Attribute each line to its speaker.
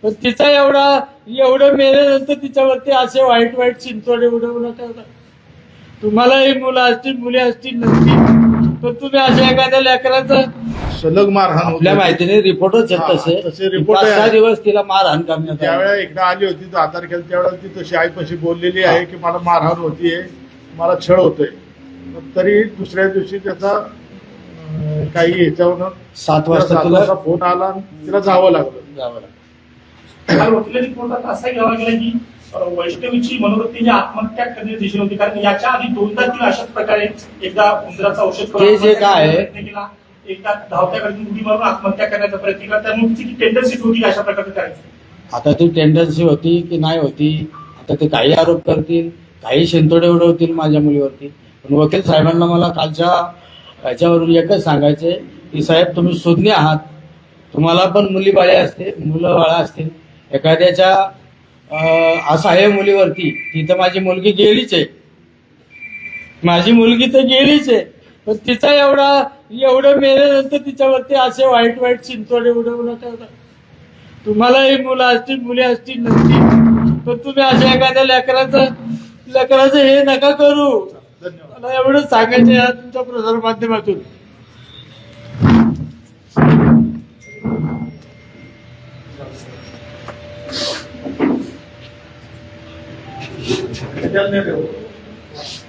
Speaker 1: पण तिचा एवढं मेल्यानंतर तिच्यावरती असे वाईट वाईट चिंचोडे उडवू नका. तुम्हालाही मुलं असतील मुली असतील नसतील तर तुम्ही अशा एखाद्या लेकराचं
Speaker 2: सलग मारहाण
Speaker 1: आपल्या
Speaker 2: होते.
Speaker 1: माहितीने रिपोर्टच आहेत
Speaker 2: तसे
Speaker 1: तसे
Speaker 2: report
Speaker 1: 5-6
Speaker 2: आहे.
Speaker 1: दिवस तिला मारहाण करण्यात
Speaker 2: ज्यावेळेला
Speaker 1: आली.
Speaker 2: एकदा आली होती 10 तारखेला त्यावेळेला ती तशी आईपाशी बोललेली आहे की मला मारहाण होतीये, मला छळ होतोय. पण तरी दुसऱ्या दिवशी त्याचा काही ह्याच्यावरून
Speaker 1: 7 वाजता तिला
Speaker 2: फोन आला आणि तिला जावं लागलं.
Speaker 1: जावं लागलं.
Speaker 3: काल वकिलांनी कोर्टात असा घ्यावा गेला की वैष्णवीची मनोवृत्तीची आत्महत्या करण्याची दिशेने होती, कारण याच्या आधी 2दा तिला अशाच प्रकारे एकदा उंदराचं औषध करून
Speaker 1: ते जे काय आहे,
Speaker 3: प्रयत्न केला, एकदा धावत्या गाडीतून उडी मारून आत्महत्या करण्याचा प्रयत्न केला. त्यामुळे तिची टेंडन्सी होती अशा प्रकारचं करायचं.
Speaker 1: आता ती टेंडन्सी होती की नाही होती, आता ते काही आरोप करतील, काही शिंतोडे उडवतील माझ्या मुलीवरती. पण वकील साहेबांना मला कालच्या याच्यावरून एकच सांगायचंय की साहेब तुम्ही सुज्ञ आहात, तुम्हाला पण मुलं बाळा असतील. एखाद्याच्या असहाय्य मुलीवरती, ती तर माझी मुलगी गेलीच आहे, माझी मुलगी तर गेलीच आहे, पण तिचा एवढं मेल्यानंतर तिच्यावरती असे वाईट वाईट चिंचोडे उडवू नका. तुम्हालाही मुलं असतील मुली असतील नसतील तर तुम्ही अशा एखाद्या लेकराचं हे नका करू. मला एवढंच सांगायचं या तुमच्या प्रसार माध्यमातून.
Speaker 2: त्याच्यात नाही ठेवलं.